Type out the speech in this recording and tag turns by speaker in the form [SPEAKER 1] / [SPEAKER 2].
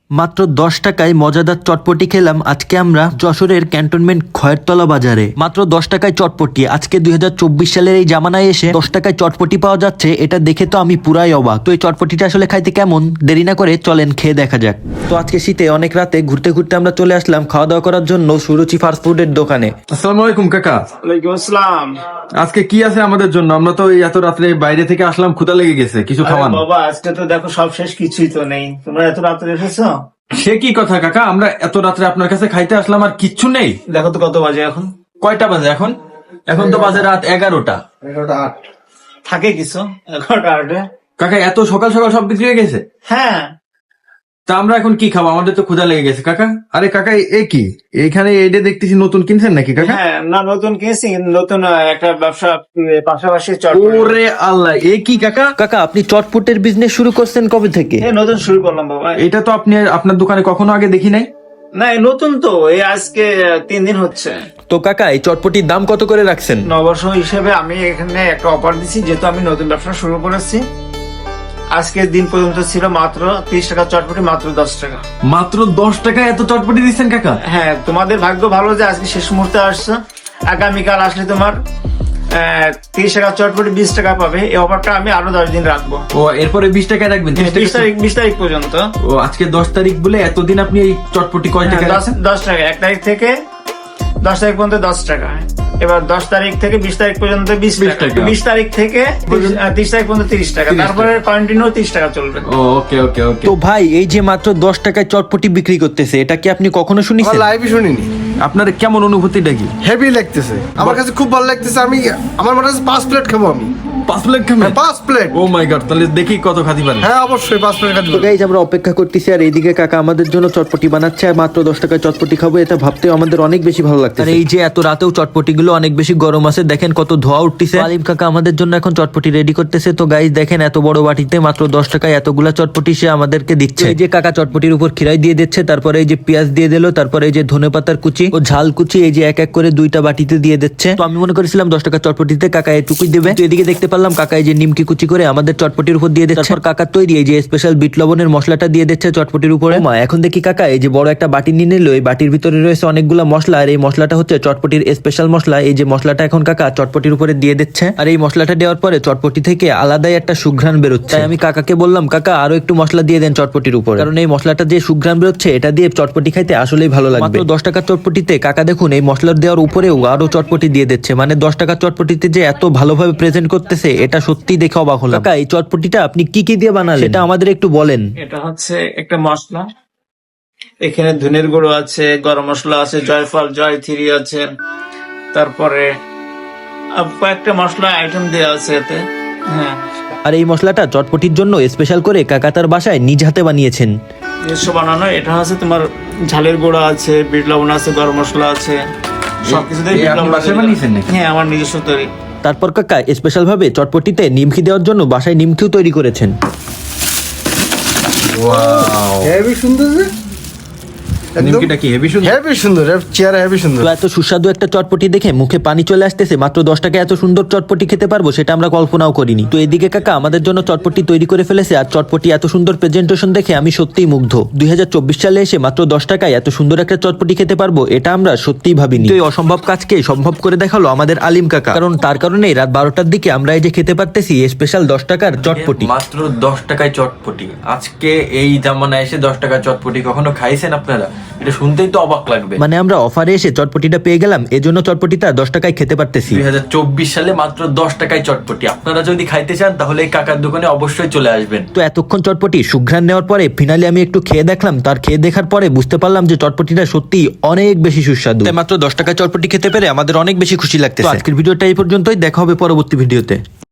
[SPEAKER 1] মাত্র 10 টাকায় মজাদার চটপটি খেলাম আজকে আমরা যশোরের ক্যান্টনমেন্ট খয়েরতলা বাজারে। মাত্র 10 টাকায় চটপটি। আজকে 2024 সালের এই জামানায় এসে 10 টাকায় চটপটি পাওয়া যাচ্ছে, এটা দেখে তো আমি পুরাই অবাক। তো এই চটপটিটা আসলে খাইতে কেমন, দেরি না করে চলেন খেয়ে দেখা যাক। তো আজকে শীতে অনেক রাতে ঘুরতে ঘুরতে আমরা চলে আসলাম খাওয়া দাওয়া করার জন্য সুরুচি ফাস্ট ফুডের দোকানে।
[SPEAKER 2] আসসালামু আলাইকুম কাকা।
[SPEAKER 3] ওয়ালাইকুম আসসালাম।
[SPEAKER 2] আজকে কি আছে আমাদের জন্য? আমরা তো এই এত রাত্রে বাইরে থেকে আসলাম, ক্ষুধা লেগে গেছে, কিছু খাওয়ান।
[SPEAKER 3] বাবা আজকে তো দেখো সব শেষ, কিছুই তো নেই। তোমরা এত রাত্রে এসেছো?
[SPEAKER 2] সে কি কথা কাকা, আমরা এত রাত্রে আপনার কাছে খাইতে আসলাম আর কিচ্ছু নেই?
[SPEAKER 3] দেখো তো কত বাজে এখন।
[SPEAKER 2] কয়টা বাজে এখন? এখন তো বাজে রাত 11টা।
[SPEAKER 3] 11:08 থাকে কিছু 11:08।
[SPEAKER 2] কাকা এত সকাল সকাল সব বিক্রি হয়ে গেছে?
[SPEAKER 3] হ্যাঁ,
[SPEAKER 2] তা আমরা এখন কি খাবো? আমাদের তো ক্ষুধা লেগে গেছে কাকা। আরে কাকা এ কি, এইখানে এইটা দেখতেছি নতুন কিনছেন নাকি কাকা?
[SPEAKER 3] হ্যাঁ, না নতুন কিনছি, নতুন একটা ব্যবসা পাশাপাশি চটপটি।
[SPEAKER 2] ওরে আল্লাহ, এ কি কাকা?
[SPEAKER 1] কাকা আপনি চটপটের বিজনেস শুরু করছেন কবে থেকে?
[SPEAKER 3] নতুন শুরু করলাম বাবা।
[SPEAKER 2] এটা তো আপনি আপনার দোকানে কখনো আগে দেখি নাই।
[SPEAKER 3] না এই নতুন তো, এই আজকে 3 দিন হচ্ছে।
[SPEAKER 1] তো কাকা এই চটপটির দাম কত করে রাখছেন?
[SPEAKER 3] নববর্ষ হিসেবে আমি এখানে একটা অফার দিচ্ছি, যেহেতু আমি নতুন ব্যবসা শুরু করেছি। আজকের দিন পর্যন্ত ছিল মাত্র 30 টাকা চটপটি, মাত্র 10 টাকা।
[SPEAKER 2] মাত্র 10 টাকায় এত চটপটি দিচ্ছেন কাকা?
[SPEAKER 3] হ্যাঁ, তোমাদের ভাগ্য ভালো যে আজকে শেষ মুহূর্তে আসছো। আগামীকাল আসলে তোমার 30 টাকা চটপটি 20 টাকা পাবে। এই অফারটা আমি আরো 10 দিন রাখবো।
[SPEAKER 2] ও এরপরে 20 টাকায় রাখবেন?
[SPEAKER 3] 20 তারিখ পর্যন্ত।
[SPEAKER 2] ও আজকে 10 তারিখ বলে এতদিন আপনি এই চটপটি কয় টাকা রাখছেন?
[SPEAKER 3] 10 টাকা। 1 তারিখ থেকে 10 তারিখ পর্যন্ত 10 টাকা। এবার 10 তারিখ থেকে 20 তারিখ পর্যন্ত 20 টাকা। 20 তারিখ থেকে 30 তারিখ পর্যন্ত 30 টাকা। তারপরে কন্টিনিউ 30 টাকা চলবে।
[SPEAKER 2] ওকে ওকে ওকে।
[SPEAKER 1] তো ভাই এই যে মাত্র 10 টাকায় চটপটি বিক্রি করতেছে, এটা কি আপনি কখনো শুনেছেন?
[SPEAKER 4] লাইভই শুনিনি।
[SPEAKER 2] আপনার কেমন অনুভূতিটা কি?
[SPEAKER 4] হেভি লাগতেছে আমার কাছে, খুব ভালো লাগতেছে। আমি আমার মনে হচ্ছে 5 প্লেট খাবো আমি।
[SPEAKER 2] 5 প্লেট খাবেন?
[SPEAKER 4] 5 প্লেট।
[SPEAKER 2] ও মাই গড, তাহলে দেখি কত খাতি পারেন।
[SPEAKER 4] হ্যাঁ অবশ্যই 5 প্লেট খাবো।
[SPEAKER 1] তো গাইজ আমরা অপেক্ষা করতেছি, আর এইদিকে কাকা আমাদের জন্য চটপটি বানাচ্ছে, আর মাত্র 10 টাকায় চটপটি খাবো, এটা ভাবতেও আমাদের অনেক বেশি ভালো লাগছে। আর এই যে এত রাতেও চটপটি গুলো অনেক বেশি গরম আছে, দেখেন কত ধোয়া উঠতেছে। আলিম কাকা আমাদের জন্য এখন চটপটি রেডি করতেছে। তো গাইজ দেখেন এত বড় বাটিতে মাত্র 10 টাকায় এতগুলা চটপটি সে আমাদেরকে দিচ্ছে। এই যে কাকা চটপটির উপর খিরাই দিয়ে দিচ্ছে, তারপরে এই যে পেঁয়াজ দিয়ে দিল, তারপরে এই যে ধনেপাতার কুচি ও ঝাল কুচি, এই যে এক এক করে 2টা বাটিতে দিয়ে দিচ্ছে। তো আমি মনে করেছিলাম 10 টাকা চটপটিতে কাকা এটুকুই দেবে, তো এদিকে দেখতে পারলাম কাকা এই যে নিমকি কুচি করে আমাদের চটপটির উপর দিয়ে দিচ্ছে। তারপর কাকা তৈরি এই যে স্পেশাল বিট লবণের মশলাটা দিয়ে দিচ্ছে চটপটির উপরে। মা এখন দেখি কাকা এই যে বড় একটা বাটি নিয়ে নিল, এই বাটির ভিতরে রয়েছে অনেকগুলো মশলা, আর এই মশলাটা হচ্ছে চটপটির স্পেশাল মশলা। এই যে মশলাটা এখন কাকা চটপটির উপরে দিয়ে দিচ্ছে, আর এই মশলাটা দেওয়ার পরে চটপটি থেকে আলাদাই একটা সুঘ্রাণ বেরোচ্ছে। তাই আমি কাকাকে বললাম কাকা আরো একটু মশলা দিয়ে দেন চটপটির উপরে, কারণ এই মশলাটা যে সুঘ্রাণ বেরোচ্ছে এটা দিয়ে চটপটি খাইতে আসলেই ভালো লাগবে। মাত্র 10 টাকার চটপটিতে কাকা দেখুন এই মশলার দেওয়ার উপরেও আরো চটপটি দিয়ে দিচ্ছে, মানে 10 টাকার চটপটিতে যে এত ভালোভাবে প্রেজেন্ট করতেছে এটা সত্যি দেখে অবাক হলাম। কাকা এই চটপটিটা আপনি কি কি দিয়ে বানালেন সেটা আমাদের একটু বলেন।
[SPEAKER 3] এটা হচ্ছে একটা মশলা, এখানে ধনের গুঁড়ো আছে, গরম মশলা আছে, জয়ফল জয়থিরি আছে, তারপরে কয়েকটা মশলা আইটেম দেওয়া আছে এতে। হ্যাঁ,
[SPEAKER 1] আর এই মশলাটা চটপটির জন্য স্পেশাল করে কাকা তার বাসায় নিজ হাতে বানিয়েছেন।
[SPEAKER 3] নিজস্ব বানানো। এটা হচ্ছে তোমার ঝালের গুঁড়ো আছে, বিট লবণ আছে, গরম মশলা আছে, সবকিছু দিয়ে বিট লবণ
[SPEAKER 2] বাসায় বানিয়েছেন নাকি?
[SPEAKER 3] হ্যাঁ, আমার নিজস্ব তৈরি।
[SPEAKER 1] তারপর কাকা স্পেশাল ভাবে চটপটিতে নিমকি দেওয়ার জন্য বাসায় নিমকিও তৈরি করেছেন।
[SPEAKER 2] ওয়াও,
[SPEAKER 4] হেভি সুন্দর যে,
[SPEAKER 2] নিমকিটা কি হেভি সুন্দর?
[SPEAKER 4] হেভি সুন্দর, চেয়ারে হেভি সুন্দর।
[SPEAKER 1] তো এত সুস্বাদু একটা চটপটি দেখে মুখে পানি চলে আসতেছে। মাত্র 10 টাকায় এত সুন্দর চটপটি খেতে পারবো সেটা আমরা কল্পনাও করিনি। তো এদিকে কাকা আমাদের জন্য চটপটি তৈরি করে ফেলেছে, আর চটপটি এত সুন্দর প্রেজেন্টেশন দেখে আমি সত্যিই মুগ্ধ। 2024 সালে এসে মাত্র 10 টাকায় এত সুন্দর একটা চটপটি খেতে পারবো এটা আমরা সত্যিই ভাবিনি। তো এই অসম্ভব কাজকে সম্ভব করে দেখালো আমাদের আলিম কাকা, কারণ তার কারণেই রাত 12টার দিকে আমরা এই যে খেতে পারতেছি স্পেশাল 10 টাকার চটপটি।
[SPEAKER 2] মাত্র 10 টাকায় চটপটি। আজকে এই জামানায় এসে 10 টাকার চটপটি কখনো খাইছেন আপনারা? এটা শুনতেই তো অবাক লাগবে।
[SPEAKER 1] মানে আমরা অফারে এসে চটপটিটা পেয়ে গেলাম, এজন্য চটপটিটা 10 টাকায় খেতে পারতেছি।
[SPEAKER 2] 2024 সালে মাত্র 10 টাকায় চটপটি। আপনারা যদি খাইতে চান তাহলে এই কাকার দোকানে অবশ্যই চলে আসবেন।
[SPEAKER 1] তো এতক্ষণ চটপটি সুঘ্রাণ নেওয়ার পরে ফাইনালি আমি একটু খেয়ে দেখলাম, তার খেয়ে দেখার পরে বুঝতে পারলাম যে চটপটিটা সত্যি অনেক বেশি সুস্বাদু। তাই মাত্র 10 টাকায় চটপটি খেতে পেরে আমাদের অনেক বেশি খুশি লাগতেছে। আজকের ভিডিওটা এই পর্যন্তই, দেখা হবে পরবর্তী ভিডিওতে।